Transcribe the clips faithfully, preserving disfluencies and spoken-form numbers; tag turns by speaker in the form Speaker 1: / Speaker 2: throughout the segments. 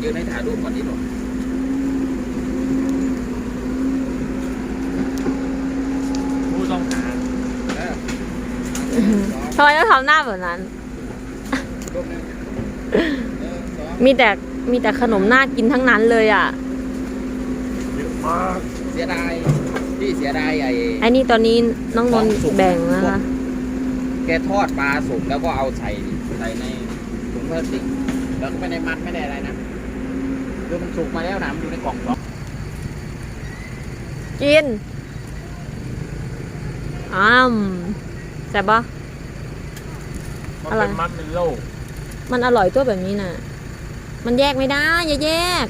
Speaker 1: ยืนให้ถ่ายรูปก่อนนิดหน่อยผู้ต้องหา
Speaker 2: ทำไมต้องทำหน้าแบบนั้น มีแต่มีแต่ขนมน่ากินทั้งนั้นเลยอ่ะ
Speaker 1: เยอะมากเสียดายที่เสียดายไอ้
Speaker 2: ไอ้นี่ตอนนี้น้องนนท์แบ่งนะคะ
Speaker 1: แกทอดปลาสุกแล้วก็เอาใส่ใส่ในถุงพลาสติกแล้วก็ไม่ได้มัดไม่ได้อะไรนะคือมันสุกมาแล้วนะมันอยู่ในกล่องสอง
Speaker 2: กินอ้ามแซ่บปะอะไร
Speaker 1: มันเป็นโลก
Speaker 2: มันอร่อยตัวแบบนี้น่ะมันแยกไม่ได้อย่าแยก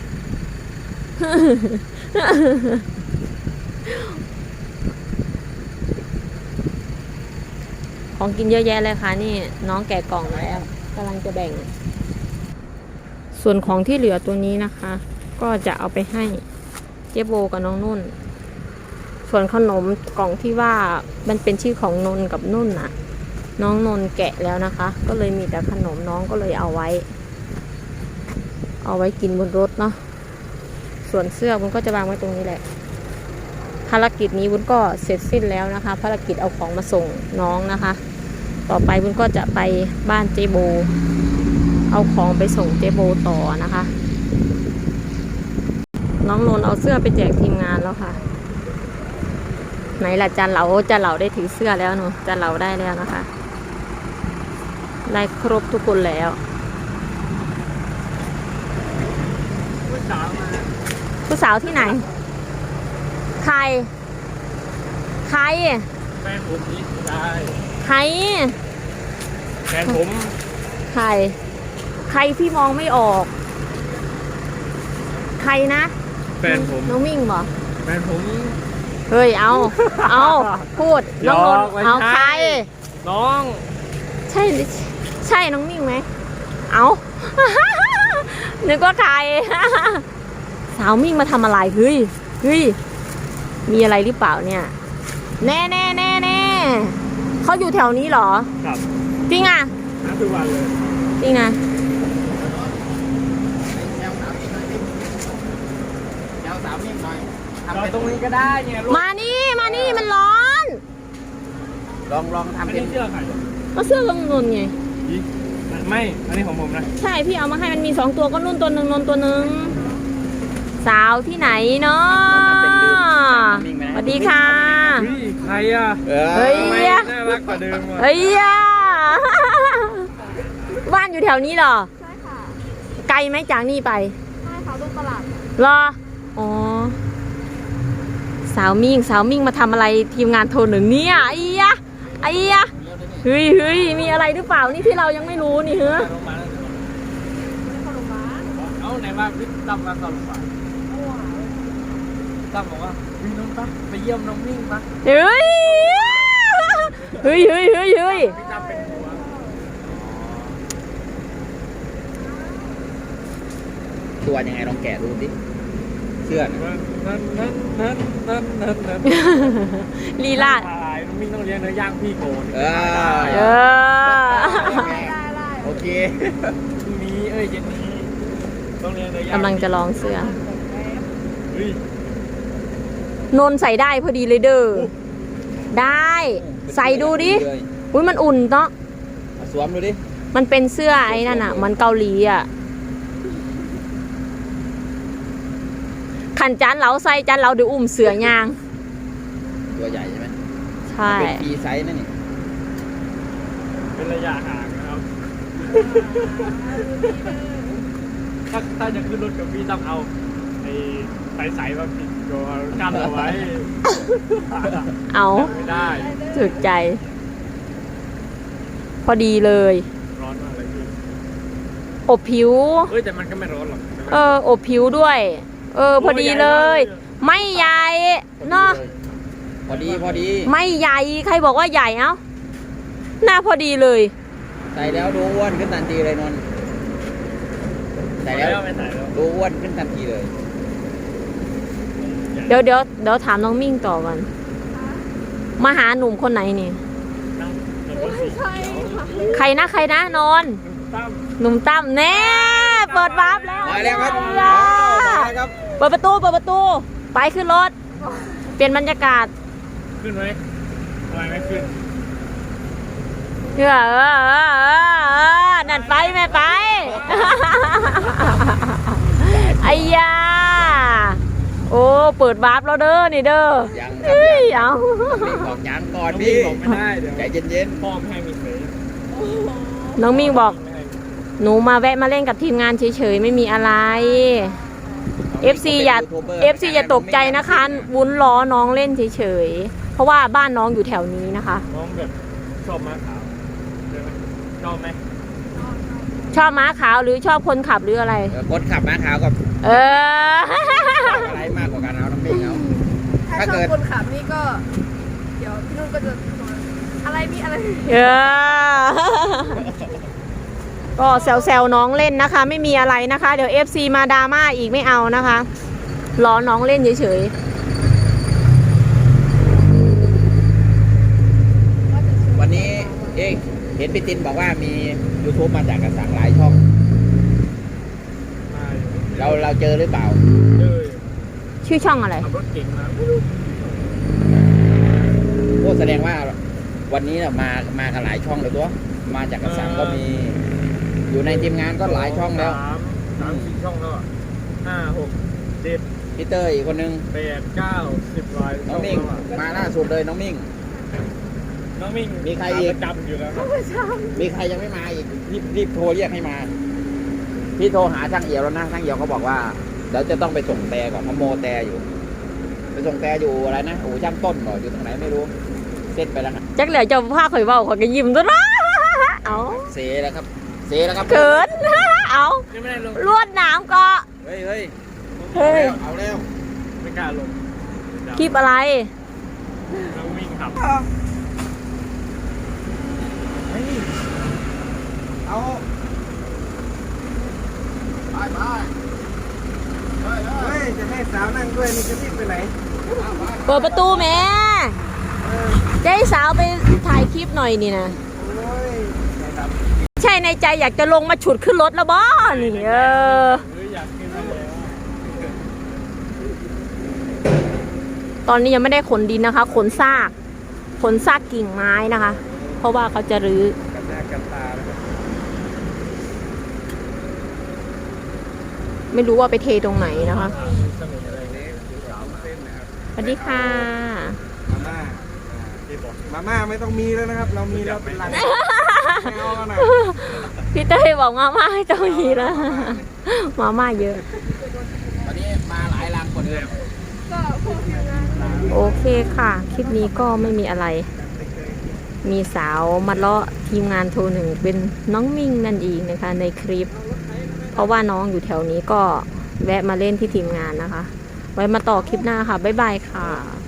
Speaker 2: ของกินเยอะแยะเลยค่ะนี่น้องแกะกล่องแล้วกำลังจะแบ่งส่วนของที่เหลือตัวนี้นะคะ ก็จะเอาไปให้เจ๊โบกับน้องนุ่นส่วนขนมกล่องที่ว่ามันเป็นชื่อของนนกับนุ่นน่ะน้องนนแกะแล้วนะคะก็เลยมีแต่ขนมน้องก็เลยเอาไว้เอาไว้กินบนรถเนาะส่วนเสื้อบุญก็จะวางไว้ตรงนี้แหละภารกิจนี้บุญก็เสร็จสิ้นแล้วนะคะภารกิจเอาของมาส่งน้องนะคะต่อไปบุญก็จะไปบ้านเจโบเอาของไปส่งเจโบต่อนะคะน้องนนเอาเสื้อไปแจกทีมงานแล้วค่ะไหนล่ะจันเหลาจันเหลาได้ถือเสื้อแล้วหนูจันเหลาได้แล้วนะคะได้ครบทุกคนแล้วผู้สาวที่ไหนใครใคร
Speaker 1: แฟนผมนี่ได้
Speaker 2: ใคร
Speaker 1: แฟนผม
Speaker 2: ใครใครพี่มองไม่ออกใครนะ
Speaker 1: แฟนผม
Speaker 2: น้องมิ่งบ่
Speaker 1: แฟนผม
Speaker 2: เฮ้ยเอาเอาพูดน้องนนเอาใคร
Speaker 1: น้อง
Speaker 2: ใช่ใช่น้องมิ่งไหมเอานึกว่าใครสาวมิ่งมาทำอะไรเฮ้ยเฮ้ยมีอะไรหรือเปล่าเนี่ยแน่แน่แน่แน่เขาอยู่แถวนี้เหรอ
Speaker 1: ครับ
Speaker 2: จริงอ่ะ
Speaker 1: ทุกวันเลย
Speaker 2: จริงอ่ะ
Speaker 1: เราตรงนี้ก็ได้เนี่ย
Speaker 2: มานี่มานี่มันร้อน
Speaker 1: ลองลองทำเป็นเสื้อใคร
Speaker 2: ก็เสื้อลงนนไง
Speaker 1: ไม่อันนี้ของผมนะ
Speaker 2: ใช่พี่เอามาให้มันมีสองตัวก็นุ่นตัวหนึ่งนนตัวหนึ่งสาวที่ไหนเนาะสวัสดีค่ะ
Speaker 1: ใครอ่ะ
Speaker 2: เฮ้ย
Speaker 1: น่ารักกว่าเดิม
Speaker 2: เฮ้ยบ้านอยู่แถวนี้เหรอ
Speaker 3: ใช่ค่ะ
Speaker 2: ไกลไหมจากนี่ไป
Speaker 3: ใช่ค่ะลูกตลาด
Speaker 2: รออ๋อสาวมิ่งสาวมิ่งมาทำอะไรทีมงานโทรหนึ่งเนี่ยไอ้ยะไอ้ยะเฮ้ยเฮ้ยมีอะไรหรือเปล่านี่ที่เรายังไม่รู้นี่เฮ้ย
Speaker 1: เอาไหนมาพี่ตั้มมาเข้าโรงพยาบาลตั้มบอกว่าพี่น้องตั้มไปเยี่ยมน้องมิ่งปะ
Speaker 2: เฮ้ยเฮ้ยเฮ้ยเฮ้ยเฮ้ย
Speaker 1: พี่ตั้มเป็นหัวตัวยังไงลองแกะดูสิเสื้อนั่นนั่นนั่นนั่นนั่นนั่น
Speaker 2: ลีลา
Speaker 1: น้องมิ่งต้องเลี้ยงเนื้อย่างพี่โกนเออ
Speaker 2: เออ
Speaker 1: โอเคพรุ่งนี้เอ้ยเย็นนี้ต้องเลี้ยงเนื้อย่าง
Speaker 2: กำลังจะลองเสื้อนนใส่ได้พอดีเลยเด้อได้ใส่ดูดิอุ้ยมันอุ่นเนาะ
Speaker 1: สวมดูดิ
Speaker 2: มันเป็นเสื้อไอ้นั่นอ่ะมันเกาหลีอ่ะขันจานเหลาใส่จานเหลาเดี๋ยวอุ้มเสือยาง
Speaker 1: ตัวใหญ่ใช่ไหม
Speaker 2: ใช่
Speaker 1: เป็นปีไซส์นั่นนี่เป็นระยะห่างนะครับถ้าถ้าจะขึ้นรถกับพี่ต้องเอาไอ้ไฟใสมาปิดตัวกั้นเอาไว้
Speaker 2: เอา
Speaker 1: ไม่ได้
Speaker 2: จุดใจพอดีเลย
Speaker 1: ร้อนมากเลยพี่
Speaker 2: อบผิว
Speaker 1: เฮ้ยแต่มันก็ไม่ร้อนหรอก
Speaker 2: เอออบผิวด้วยเออพอดีเลยไม่ใหญ่เนาะ
Speaker 1: พอดีพอดี
Speaker 2: ไม่ใหญ่ใครบอกว่าใหญ่เอ้าหน้าพอดีเลย
Speaker 1: ใส่แล้วดูอ้วนขึ้นทันทีเลยนนท์ใส่แล้วดูอ้วนขึ้นทันทีเลย
Speaker 2: เดี๋ยวเดี๋ยวเดี๋ยวถามน้องมิ่งต่อกันมาหาหนุ่มคนไหนนี่ใครนะใครนะนอนหนุ่มตั้มแน่เปิดวาร์ปแล้ว
Speaker 1: มาแล้วครับ
Speaker 2: เย้
Speaker 1: มาแล้วครับ
Speaker 2: เปิดประตูเปิดประตูไปขึ้นรถเปลี่ยนบรรยากาศ
Speaker 3: ขึ้นไหมทำไมไม่ขึ้น
Speaker 2: เออเออเออเออนั่นไปแม่ไป ไอ้ยาโอ้เปิดวาร์ปแล้วเด้อนี่เด้อ
Speaker 1: ยังครั
Speaker 2: เฮ้
Speaker 1: บ
Speaker 2: ย
Speaker 1: ยัง
Speaker 2: เอา
Speaker 1: มีบอกยังก่อน
Speaker 3: น้อง
Speaker 1: พี่
Speaker 3: มิ่งบอกไม่ได้เดี๋ยว
Speaker 1: ใจเย็น
Speaker 3: พ่อไม่ให้มีเผย
Speaker 2: น้องมิ่งบอก
Speaker 3: ไม่ให้มี
Speaker 2: หนูมาแวะมาเล่นกับทีมงานเฉยๆไม่มีอะไร
Speaker 1: ๆ
Speaker 2: เอฟ ซี อย่า เอฟ ซี อย่าตกใจนะคะวุ้นล้อน้องเล่นเฉยๆเพราะว่าบ้านน้องอยู่แถวนี้นะคะ
Speaker 3: น้องแบบชอบม้าขาวใช่ไหมชอบไหม
Speaker 2: ชอบม้าขาวหรือชอบคนขับหรืออะไร
Speaker 1: เออคนขับม้าขาวกับ
Speaker 2: เออ
Speaker 1: อะไรมากกว่ากันเอาน้ำมิ่งเอา
Speaker 4: ถ้า
Speaker 1: ถ้า
Speaker 4: ชอ
Speaker 1: เกิ
Speaker 4: บ
Speaker 1: ด
Speaker 4: คนขับนี่ก็ เดี๋ยวพี่นุ่นก็จะอะไรพี่อะไร
Speaker 2: เออ ก็แซวๆน้องเล่นนะคะ ไม่มีอะไรนะคะ เดี๋ยว เอฟ ซี มาดราม่าอีกไม่เอานะคะล้อน้องเล่นเฉย
Speaker 1: วันนี้เอ๊ะเห็นพี่ตินบอกว่ามี YouTube มาจากกระสังหลายช่อง
Speaker 3: มาอยู่
Speaker 1: เราเราเจอหรือเปล่า
Speaker 3: เลย
Speaker 2: ๆชื่อช่องอะไร
Speaker 3: ขับรถเก่งมา
Speaker 1: โอ้แสดงว่าวันนี้น่ะมามากันหลายช่องเลยตัวมาจากกระสังก็มี อยู่ในทีมงานก็หลายช่องแล้ว
Speaker 3: สามสามสี่ช่องแล้วอะห้าหกเจ็ด
Speaker 1: พี่เตอร์อีกคนนึง
Speaker 3: แปดเก้าสิบลาย
Speaker 1: น้องมิ่ง
Speaker 3: ช่แล้วอะ
Speaker 1: มาล่าสุดเลยน้องมิ่ง
Speaker 3: น้องมิ่ง
Speaker 1: มีใครอีก
Speaker 3: ประจำอยู่แล้วนะ
Speaker 1: มีใครยังไม่มาอีกรีบรีบโทรเรียกให้มา พี่โทรหาช่างเอี่ยวแล้วนะช่างเอี่ยวเขาบอกว่าเดี๋ยวจะต้องไปส่งแต่ก่อนเขาโมแต่อยู่ ไปส่งแต่อยู่อะไรนะโอ้ช่างต้นก่อนอยู่ตรงไหนไม่รู้เส้นไปแล้วนะ
Speaker 2: จักเหลือเจะผ้าข่อยเบาข่อยก็ยิ้มตัวนะเอา
Speaker 1: เซแล้วครับเซแล้วครับ
Speaker 2: เกิน เอา
Speaker 3: ยังไม่ได้ลง
Speaker 2: ลวดหน้ำก็
Speaker 1: เฮ้ยเฮ้ย
Speaker 2: เฮ้ย
Speaker 1: เอาแล้ว
Speaker 3: ไม่กล้าลง
Speaker 2: คลิปอะไร
Speaker 3: น้องมิ่งขับ
Speaker 1: เอาไปไปเฮ้ย
Speaker 5: เฮ้ย จะให้สาวนั่งด้วยนี่จะรีบไปไหน
Speaker 2: เปิดประตูแม่จะให้สาวไปถ่ายคลิปหน่อยนี่นะ
Speaker 5: โอ้ยใจด
Speaker 2: ใช่ในใจอยากจะลงมาฉุดขึ้นรถแล้วบ้านี่เออ
Speaker 3: หรืออยากขึ้นมาแล้ว
Speaker 2: ตอนนี้ยังไม่ได้ขนดินนะคะ ขนซาก ขนซากกิ่งไม้นะคะ เพราะว่าเขาจะรื้อ
Speaker 5: ำกันหน้ากันตานะครับ
Speaker 2: ไม่รู้ว่าไปเทตรงไหนนะคะ
Speaker 3: มีเสน่ห์อะไร
Speaker 5: เล็กสาวเส้นนะครับ
Speaker 2: สวัสดีค่ะ
Speaker 5: มาม่า
Speaker 3: ที่บอก
Speaker 5: มาม่าไม่ต้องมีแล้วนะครับ เรามีแล้วเป็นลังไม่เอากันนะ
Speaker 2: พี่เต้ยบอกมาม่าให้เจ้าหยีแล้วมาม่าเยอะ
Speaker 1: วันนี้มาหลายลังคนเดิม
Speaker 4: ก็พวกทีมงาน
Speaker 2: โอเคค่ะ คลิปนี้ก็ไม่มีอะไร มีสาวมาเลาะทีมงานโทรหนึ่งเป็นน้องมิ่งนั่นเองนะคะในคลิป เพราะว่าน้องอยู่แถวนี้ก็แวะมาเล่นที่ทีมงานนะคะ ไว้มาต่อคลิปหน้าค่ะ บ๊ายบายค่ะ